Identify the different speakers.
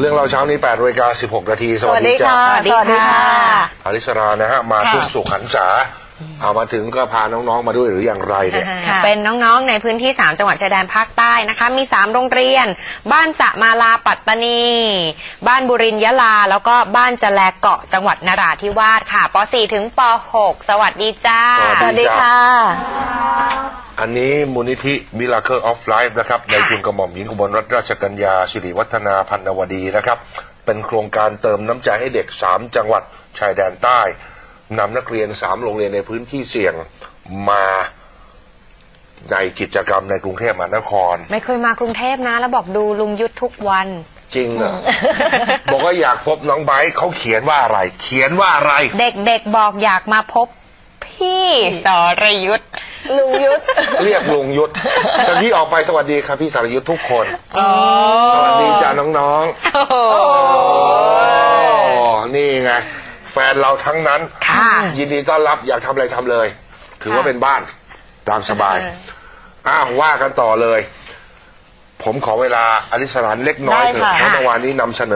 Speaker 1: เรื่องเราเช้านี้8:16 นาทีสวัสดีจ้า
Speaker 2: สวัสดีค่ะ
Speaker 1: อริสรานะฮะมาทุกสุขหันษาเอามาถึงก็พาน้องๆมาด้วยหรืออย่างไรเนี่ย
Speaker 2: เป็นน้องๆในพื้นที่3จังหวัดชายแดนภาคใต้นะคะมี3โรงเรียนบ้านสะมาลาปัตตานีบ้านบุรินทร์ยะลาแล้วก็บ้านจะแลเกาะจังหวัดนราธิวาสค่ะป .4 ถึงป .6 สวัสดีจ้า
Speaker 1: สวัสดีค่ะอันนี้มูลนิธิ Miracle of Life นะครับในทุนกระหม่อมหญิงอุบลรัตนราชกัญญาสิริวัฒนาพันนวดีนะครับเป็นโครงการเติมน้ำใจให้เด็ก3จังหวัดชายแดนใต้นำนักเรียน3โรงเรียนในพื้นที่เสี่ยงมาในกิจกรรมในกรุงเทพมหานคร
Speaker 2: ไม่เคยมากรุงเทพนะแล้วบอกดูลุงยุทธทุกวัน
Speaker 1: จริงเหรอ บอกว่าอยากพบน้องไบร์ทเขาเขียนว่าอะไรเขียนว่าอะไร
Speaker 2: เด็กๆบอกอยากมาพบพี่สรยุทธลุงยุทธ
Speaker 1: เรียกลุงยุทธแต่ที่ออกไปสวัสดีครับพี่สรยุทธทุกคนสวัสดีจ้าน้องๆนี่ไงแฟนเราทั้งนั้นยินดีต้อนรับอยากทำอะไรทำเลยถือว่าเป็นบ้านตามสบายว่ากันต่อเลยผมขอเวลาอริสรานเล็กน้อยเถอะเพราะเมื่อวานนี้นำเสนอ